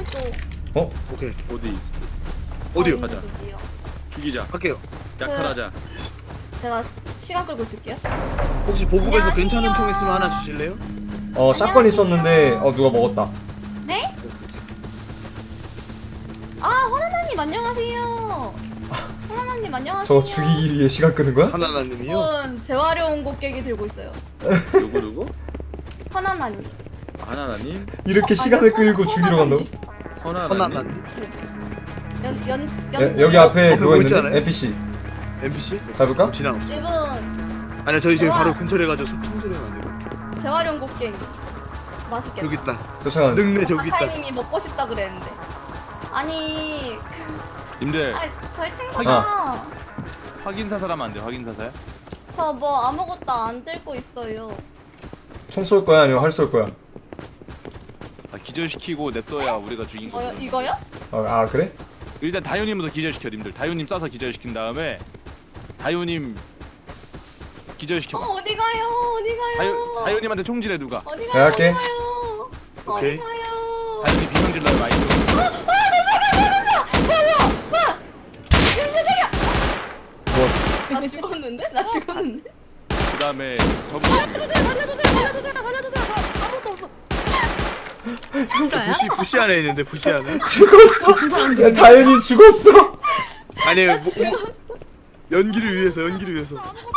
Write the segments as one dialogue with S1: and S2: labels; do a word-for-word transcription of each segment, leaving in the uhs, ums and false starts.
S1: 또.
S2: 어?
S3: 오케이.
S4: 어디?
S3: 어디요?
S4: 가자.
S1: 어디요?
S4: 죽이자.
S3: 할게요.
S4: 약탈하자.
S1: 제가 시간 끌고 있을게요.
S3: 혹시 보급에서
S1: 안녕하세요.
S3: 괜찮은 총 있으면 하나 주실래요?
S2: 어 샷건 있었는데 어 누가 먹었다.
S1: 네? 아, 허나나님 안녕하세요. 허나나님 안녕하세요.
S2: 저거 죽이기 위해 시간 끄는 거야?
S3: 하나나님이요?
S1: 이분 재활용 곡괭이 들고 있어요.
S4: 누구 누구?
S1: 허나나님.
S4: 하나나님?
S2: 이렇게 시간을 끌고 죽이러 간다고?
S4: 허나나님?
S3: 하나나님.
S1: 연, 연,
S2: 여,
S1: 연,
S2: 여기 앞에
S3: 어,
S2: 그거
S3: 그거 있지
S2: 있는데?
S3: 않아요?
S2: 엔피씨
S3: 엔피씨?
S2: 잡을까?
S3: 지나갔어.
S1: 이분
S3: 아니요 저희 지금
S1: 우와.
S3: 바로 근처에 가서 소통 소리가 안 돼요.
S1: 재활용 곡괭이. 맛있겠다.
S3: 여기 있다.
S2: 쫓아가는
S3: 늑내 저기 있다.
S1: 사카이님이 먹고 싶다 그랬는데. 아니,
S4: 님들
S1: 아니 저희 친구가
S4: 확인 사살하면 안 돼. 확인 사살.
S1: 저 뭐 아무것도 안 들고 있어요.
S2: 총 쏠 거야 아니면 활 쏠 거야?
S4: 아, 기절시키고 냅둬야 우리가 죽인 거.
S1: 어, 이거요?
S2: 어, 아 그래?
S4: 일단 다효님부터 기절시켜 님들. 다효님 쏴서 기절시킨 다음에 다효님
S1: 어,
S4: 기절시켜봐.
S1: 어디 가요? 어디 가요?
S4: 다효, 다효님한테 총질해 누가.
S1: 어디
S2: 내가
S1: 가요?
S2: 할게.
S1: 어디 가요?
S3: 오케이.
S1: 어디 가요?
S4: 다효님 비명질러요 많이.
S2: 좋았어.
S1: 나 죽었는데? 나 죽었는데?
S4: 그 다음에 전부
S3: 부시 부시 안에 있는데 부시 안에.
S2: 죽었어. 야 다현이 죽었어.
S3: 아니 뭐, 뭐, 연기를 위해서 연기를 위해서.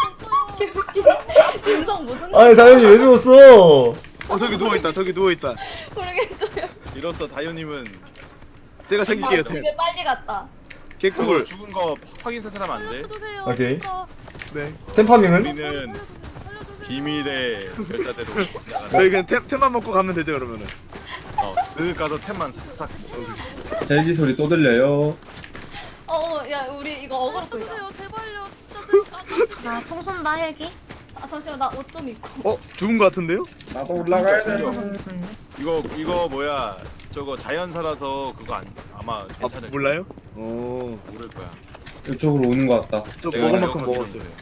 S1: 인성 무슨
S2: 아니 다현이 왜 죽었어?
S3: 어 저기 누워 있다. 저기 누워 있다.
S1: 모르겠어요.
S4: 이로써 다효님은
S3: 제가
S1: 아,
S3: 챙길게요.
S1: 집에 빨리 갔다.
S4: 그거
S3: 개꿀.
S4: 죽은 거 확인 사살하면 안 돼.
S2: 오케이.
S3: 네.
S2: 템파밍은?
S4: 우리는 비밀의 열사대로 지나가는.
S3: 저희 그냥 템 템만 먹고 가면 되죠 그러면은.
S4: 어, 쓱 가서 템만 싹싹.
S5: 헬기 소리 또 들려요.
S1: 어, 야, 우리 이거 어그로 끌자.
S6: 제발요 진짜 제발.
S1: 나 총쏜다 헬기. 아 잠시만 나 옷 좀 입고.
S3: 어 죽은 거 같은데요?
S5: 나도 올라가야 돼.
S4: 이거 이거 뭐야? 저거 자연사라서 그거 안 아마
S3: 아
S4: 괜찮을
S3: 몰라요? 어.
S4: 모를 거야.
S5: 이쪽으로 오는 것 같다.
S3: 저
S4: 내가
S3: 먹을 만큼
S4: 기억하기로는
S3: 먹었어요.
S4: 그래.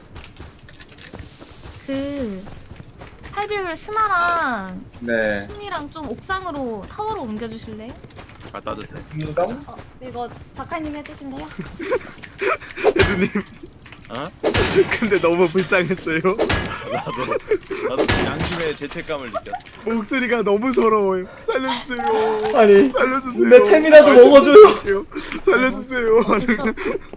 S6: 그 팔0율 스나랑
S5: 네.
S6: 순이랑 좀 옥상으로 타워로 옮겨주실래요?
S4: 아 따뜻해.
S5: 무당?
S1: 어, 이거 작가님 해주실래요?
S3: 대두님.
S4: 어?
S3: 근데 너무 불쌍했어요.
S4: 나도 나도 그 양심의 죄책감을 느꼈어.
S3: 목소리가 너무 서러워요. 살려주세요.
S2: 아니
S3: 살려주세요.
S2: 내 템이라도
S3: 아,
S2: 먹어줘요.
S3: 살려주세요.
S6: 됐어.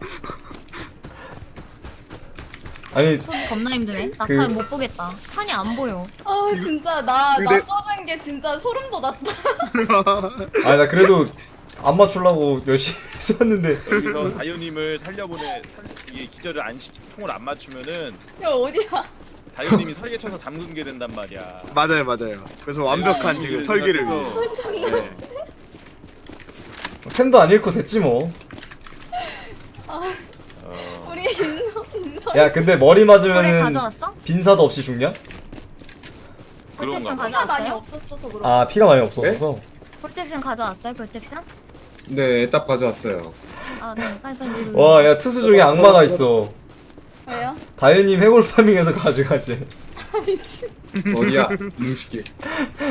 S2: 아니
S6: 손이 겁나 힘드네. 나
S2: 그-
S6: 잘 못 보겠다. 판이 안 보여.
S1: 아 진짜 나 나
S3: 근데-
S1: 써준 게 진짜 소름 돋았다.
S2: 아니 나 그래도 안 맞추려고 열심히 썼는데
S4: 여기서 다효님을 살려보내 살, 이게 기절을 안 시키 통을 안 맞추면은
S1: 야 어디야?
S4: 다효님이 설계 쳐서 담근 게 된단 말이야.
S3: 맞아요, 맞아요. 그래서 완벽한
S4: 네,
S3: 지금
S4: 네,
S3: 설계를
S4: 그래서
S3: 위해. 네.
S2: 템도 안 잃고 됐지 뭐.
S4: 어,
S1: 우리 인성 인성.
S2: 야 근데 머리
S6: 그래
S2: 맞으면은
S6: 가져왔어?
S2: 빈사도 없이 죽냐?
S4: 그런가
S6: 프로텍션
S4: 봐.
S1: 피가 많이
S6: 가져왔어요?
S1: 없었어서 그런.
S2: 아 피가 많이 없어서.
S6: 프로텍션 가져왔어요? 프로텍션?
S5: 네, 딱 가져왔어요.
S6: 아 네 빨리빨리 이리
S2: 와 야 투수 중에 악마가 있어.
S1: 왜요?
S2: 다현님 해골 파밍해서 가져가지.
S1: 아 미친.
S5: 어디야? 음식이.